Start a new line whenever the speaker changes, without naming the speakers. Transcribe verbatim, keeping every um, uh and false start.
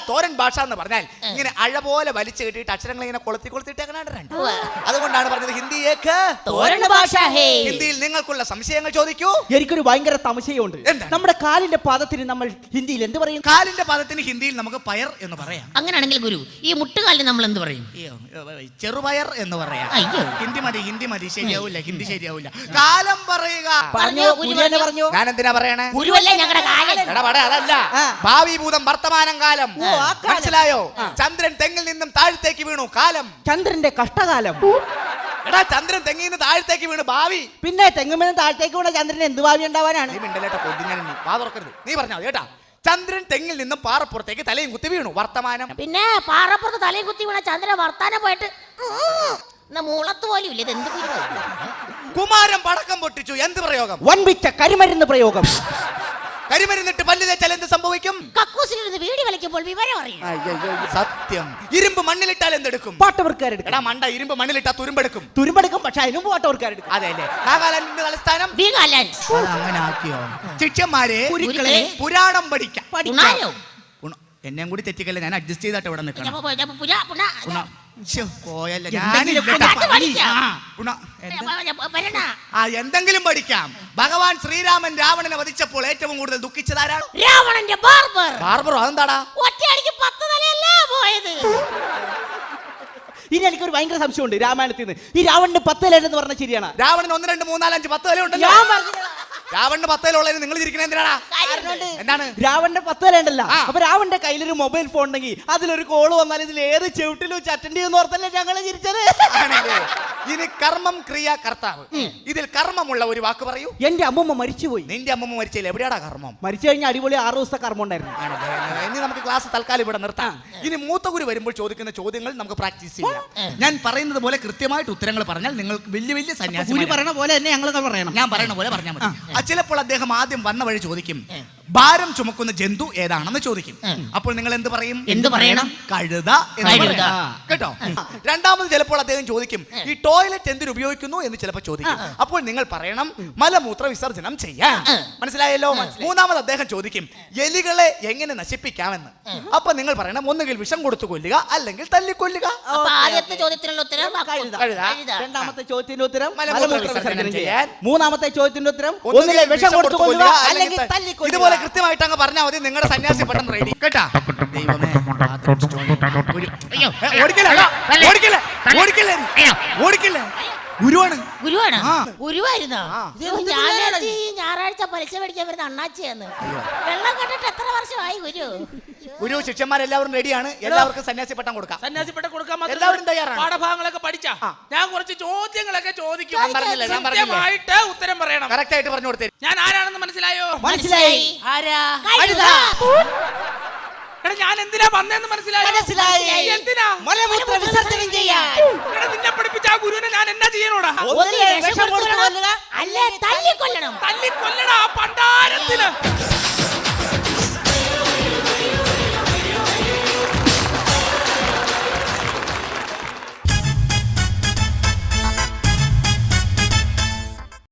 തോരൻ ഭാഷ എന്ന് പറഞ്ഞാൽ ഇങ്ങനെ അഴ പോലെ വലിച്ചു കെട്ടിയിട്ട് അക്ഷരങ്ങൾ ഇങ്ങനെ കൊളുത്തി കൊളുത്തിട്ടേക്കണ. അതുകൊണ്ടാണ് പറഞ്ഞത് ഹിന്ദിയേക്ക്
തോരൻ ഭാഷ.
ഹിന്ദിയിൽ നിങ്ങൾക്കുള്ള സംശയങ്ങൾ ചോദിക്കൂ.
എനിക്കൊരു ഭയങ്കര സംശയമുണ്ട്. നമ്മുടെ കാലിന്റെ പാദത്തിന് നമ്മൾ ഹിന്ദിയിൽ എന്ത് പറയും?
കാലിന്റെ പാദത്തിന് ഹിന്ദിയിൽ നമുക്ക് പയർ എന്ന് പറയാം.
അങ്ങനെയാണെങ്കിൽ ഗുരു ഈ മുട്ടുകാലിന് നമ്മൾ എന്ത് പറയും?
ചെറുപയർ എന്ന് പറയാം. ഹിന്ദി മതി, ഹിന്ദി മതി. ശരിയാവില്ല, ഹിന്ദി ശരിയാവില്ല. കാലം പറയുക. ഞാൻ എന്തിനാ പറയണേ? അതല്ല, ഭാവി ഭൂതം വർത്തമാനം കാലം. മനസ്സിലായോ? ചന്ദ്രൻ തെങ്ങിൽ നിന്നും താഴത്തേക്ക് വീണു. കാലം
ചന്ദ്രന്റെ കഷ്ടകാലം.
എടാ, ചന്ദ്രൻ തെങ്ങിൽ നിന്ന് താഴത്തേക്ക് വീണു. ഭാവി.
പിന്നെ തെങ്ങുമെന്ന് താഴത്തേക്ക് വീണ ചന്ദ്രൻ എന്ത് ഭാവി ഉണ്ടാവാനാണ്?
നീ പറഞ്ഞാ കേട്ടാ. ചന്ദ്രൻ തെങ്ങിൽ നിന്നും പാറപ്പുറത്തേക്ക് തലയും കുത്തി വീണു. വർത്തമാനം.
പിന്നെ പാറപ്പുറത്ത് തലയും കുത്തി വീണ ചന്ദ്രൻ വർത്താനം പോയിട്ട് മൂളത്ത് പോലും ഇല്ല. ഇത് എന്ത്
കുമാരൻ പടക്കം പൊട്ടിച്ചു. എന്ത് പ്രയോഗം?
വൻപിച്ച കരിമരുന്ന് പ്രയോഗം.
കരിമരുന്നിട്ട് പല്ല് തേച്ചാൽ എന്ത് സംഭവിക്കും?
കക്കൂസിലിരുന്ന് വീടി വലിക്കുമ്പോൾ വിവരം അറിയും.
സത്യം. ഇരുമ്പ് മണ്ണിലിട്ടാൽ എന്തെടുക്കും?
പാട്ടവർക്കാരെടുക്കും.
എടാ മണ്ട, ഇരുമ്പ് മണ്ണിലിട്ടാ തുരുമ്പെടുക്കും.
തുരുമ്പെടുക്കും, പക്ഷെ അതിനും പാട്ടവർക്കാരെടുക്കും.
അതെല്ലേ? നാഗാലാൻഡിന്റെ തലസ്ഥാനം അങ്ങനെ ആക്കിയോ? ശിഷ്യന്മാരെ പുരാണം പഠിക്കാം. എന്നെയും കൂടി തെറ്റിക്കല്ലേ, ഞാൻ അഡ്ജസ്റ്റ് ചെയ്തിട്ട് ഇവിടെ നിൽക്കണം. എന്തെങ്കിലും പഠിക്കാം. ഭഗവാൻ ശ്രീരാമൻ രാവണനെ വധിച്ചപ്പോൾ ഏറ്റവും കൂടുതൽ ദുഃഖിച്ചതാരാണ്?
രാവണന്റെ ബാർബർ.
ബാർബറോ? അതെന്താടാ?
ഒറ്റയടിക്ക് പത്ത് തലയല്ലേ പോയത്.
ഇനി എനിക്കൊരു ഭയങ്കര സംശയമുണ്ട് രാമായണത്തിൽ നിന്ന്. ഈ രാവണന് പത്ത് തലയുണ്ടെന്ന് പറഞ്ഞാൽ ശരിയാണ്?
രാവണന് ഒന്ന് രണ്ട് മൂന്നാലഞ്ച് പത്ത് തലയുണ്ടല്ലോ. രാവണന്റെ പത്ത് തലയുള്ളതിന് നിങ്ങൾ ഇരിക്കണ എന്തിനാടാ? എന്താണ്?
രാവണന്റെ പത്ത് തലയുണ്ടല്ലോ. അപ്പൊ രാവണന്റെ കയ്യിലൊരു മൊബൈൽ ഫോൺ ഉണ്ടെങ്കിൽ അതിലൊരു കോള് വന്നാൽ ഇതിൽ ഏത് ചെവിട്ടിലും അറ്റൻഡ് ചെയ്യുന്ന ഓർത്തല്ലേ ഞങ്ങള് ചിരിച്ചത്.
ഇനി കർമ്മം ക്രിയ കർത്താവ്. ഇതിൽ കർമ്മമുള്ള ഒരു വാക്ക് പറയൂ.
എന്റെ അമ്മൂമ്മ മരിച്ചുപോയി.
നിന്റെ അമ്മൂമ്മ മരിച്ചില്ല. എവിടെയാടാ കർമ്മം?
മരിച്ചു കഴിഞ്ഞാൽ അടിപൊളി ആറു ദിവസത്തെ കർമ്മം ഉണ്ടായിരുന്നു.
ഇനി നമുക്ക് ക്ലാസ് തൽക്കാലം ഇവിടെ നിർത്താം. ഇനി മൂത്ത ഗുരു വരുമ്പോൾ ചോദിക്കുന്ന ചോദ്യങ്ങൾ നമുക്ക് പ്രാക്ടീസ് ചെയ്യാം. ഞാൻ പറയുന്നത് പോലെ കൃത്യമായിട്ട് ഉത്തരങ്ങൾ പറഞ്ഞാൽ നിങ്ങൾക്ക് വലിയ വലിയ സന്യാസി
പറയുന്ന പോലെ തന്നെ ഞങ്ങൾ പറയണം.
ഞാൻ പറയുന്ന പോലെ പറഞ്ഞാൽ മതി. ചിലപ്പോൾ അദ്ദേഹം ആദ്യം വന്ന വഴി ചോദിക്കും, ഭാരം ചുമക്കുന്ന ജന്തു ഏതാണെന്ന് ചോദിക്കും. അപ്പോൾ നിങ്ങൾ എന്ത് പറയും?
എന്ത് പറയണം?
കഴുത കേട്ടോ. രണ്ടാമത് ചിലപ്പോൾ അദ്ദേഹം ചോദിക്കും, ഈ ടോയ്ലറ്റ് എന്തിനു ഉപയോഗിക്കുന്നു എന്ന് ചിലപ്പോൾ ചോദിക്കും. അപ്പോൾ നിങ്ങൾ പറയണം, മലമൂത്ര വിസർജനം ചെയ്യാൻ. മനസ്സിലായല്ലോ? മൂന്നാമത് അദ്ദേഹം ചോദിക്കും, എലികളെ എങ്ങനെ നശിപ്പിക്കാമെന്ന്. അപ്പൊ നിങ്ങൾ പറയണം, ഒന്നുകിൽ വിഷം കൊടുത്തു കൊല്ലുക, അല്ലെങ്കിൽ തല്ലിക്കൊല്ലുക.
ആദ്യത്തെ ചോദ്യത്തിനുള്ള ഉത്തരം
കഴുത. രണ്ടാമത്തെ ചോദ്യത്തിന്റെ ഉത്തരം മലമൂത്ര വിസർജനം ചെയ്യാൻ. മൂന്നാമത്തെ ചോദ്യത്തിന്റെ ഉത്തരം ഒന്നുകിൽ വിഷം കൊടുത്തു കൊല്ലുക, അല്ലെങ്കിൽ തല്ലിക്കൊല്ലുക.
ഇതുപോലെ കൃത്യമായിട്ട് അങ്ങ് പറഞ്ഞാൽ മതി. നിങ്ങളുടെ സന്യാസി പെട്ടെന്ന് റെഡി കേട്ടാ. ദൈവമേ, ഗുരുവാണ്.
ഗുരുവാണ്. ഗുരുവായിരുന്നോ? ഞായറാഴ്ച പലിശ മേടിക്കാൻ വരുന്ന അണ്ണാച്ചിയാന്ന്. വെള്ളം കണ്ടിട്ട് എത്ര വർഷമായി ഗുരു?
ഗുരു ശിഷ്യന്മാരെല്ലാവരും റെഡിയാണ്. എല്ലാവർക്കും സന്യാസി പട്ടം കൊടുക്കാം.
സന്യാസി പട്ടം കൊടുക്കാൻ
എല്ലാവരും തയ്യാറാണ്.
പാഠഭാഗങ്ങളൊക്കെ പഠിച്ചാ ഞാൻ കുറച്ച് ചോദ്യങ്ങളൊക്കെ ചോദിക്കും.
കൃത്യമായിട്ട്
ഉത്തരം പറയണം.
കറക്റ്റ് ആയിട്ട് പറഞ്ഞു കൊടുത്തേ.
ഞാൻ ആരാണെന്ന് മനസ്സിലായോ?
മനസ്സിലായി.
ആരാ? എടാ, ഞാൻ എന്തിനാ വന്നേന്ന് മനസ്സിലായോ?
മനസ്സിലായി.
എന്തിനാ?
മലമൂത്ര വിസർജനം ചെയ്യാൻ.
എടാ, നിന്നെ പഠിപ്പിച്ച ആ ഗുരുവിനെ ഞാൻ എന്നാ ചെയ്യണോടാ?
ഒന്നുകിൽ വിഷം കൊടുത്തു കൊല്ലുക,
അല്ലേ തല്ലിക്കൊല്ലണം.
തല്ലിക്കൊല്ലടാ പണ്ടാരത്തിന്.